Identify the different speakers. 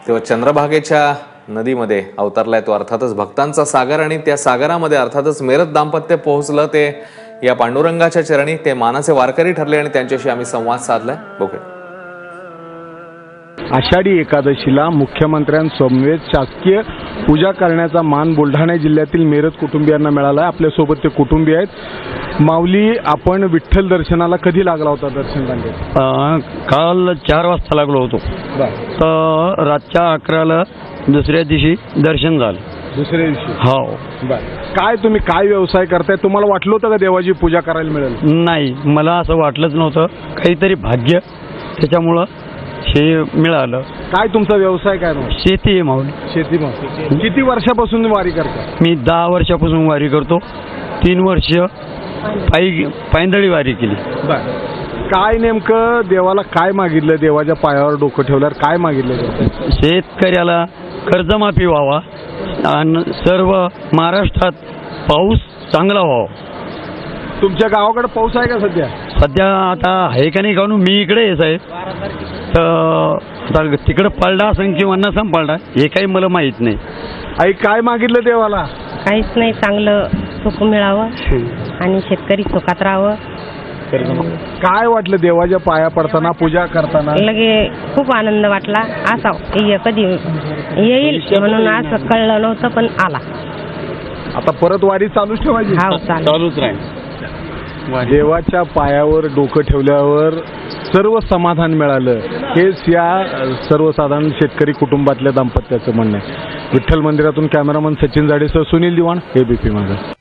Speaker 1: तेव्हा चंद्रभागेच्या नदीमध्ये अवतरलाय तो अर्थातच भक्तांचा सागर आणि त्या सागरामध्ये अर्थातच मेरत दाम्पत्य पोहोचलं ते या पांडुरंगाच्या चरणी. ते मानाचे वारकरी ठरले आणि त्यांच्याशी आम्ही संवाद साधलाय. बघूया.
Speaker 2: आषाढी एकादशीला मुख्यमंत्र्यांसमवेत शासकीय पूजा करण्याचा मान बुलढाणा जिल्ह्यातील मेरत कुटुंबियांना मिळाला आहे. आपल्यासोबत ते कुटुंबीय आहेत. माऊली, आपण विठ्ठल दर्शनाला कधी लागला होता दर्शन रांगेत?
Speaker 3: काल 4 वाजता लागलो होतो. तर रातच्या 11ला दुसऱ्या दिवशी दर्शन झालं.
Speaker 2: दुसऱ्या दिवशी?
Speaker 3: हो.
Speaker 2: काय तुम्ही काय व्यवसाय करताय? तुम्हाला वाटलं होतं का देवाची पूजा करायला मिळेल?
Speaker 3: नाही, मला असं वाटलंच नव्हतं. काहीतरी भाग्य, त्याच्यामुळं हे मिळालं.
Speaker 2: काय तुमचा व्यवसाय काय मग?
Speaker 3: शेती आहे माऊली.
Speaker 2: शेती. मग किती वर्षापासून वारी करता?
Speaker 3: मी 10 वर्षापासून वारी करतो. 3 वर्ष पायंदळी वारी केली.
Speaker 2: काय नेमकं देवाला काय मागितलं? देवाच्या पायावर डोकं ठेवल्यावर काय मागितलं?
Speaker 3: शेतकऱ्याला कर्जमाफी व्हावा आणि सर्व महाराष्ट्रात पाऊस चांगला व्हावा.
Speaker 2: तुमच्या गावाकडे पाऊस आहे का सध्या?
Speaker 3: सध्या आता आहे का नाही काहून मी इकडे आहे साहेब. तर तिकडं पडला असेल किंवा नसं पडला हे काही मला माहीत नाही.
Speaker 2: आई, काय मागितलं देवाला?
Speaker 4: काहीच नाही, चांगलं सुख मिळावं आणि शेतकरी सुखात राहावं.
Speaker 2: काय वाटलं देवाच्या पाया पडताना, पूजा करताना?
Speaker 4: लगे खूप आनंद वाटला. असा कधी येईल म्हणून असं कळलं नव्हतं, पण आला.
Speaker 2: आता परत वारी चालूच ठेवायची?
Speaker 4: हा,
Speaker 3: चालूच राहील.
Speaker 2: देवाच्या पायावर डोकं ठेवल्यावर सर्व समाधान मिळालं, हेच या सर्वसाधारण शेतकरी कुटुंबातल्या दाम्पत्याचं म्हणणं आहे. विठ्ठल मंदिरातून कॅमेरामन सचिन जाडेसह सुनील दिवाण, एबीपी माझा.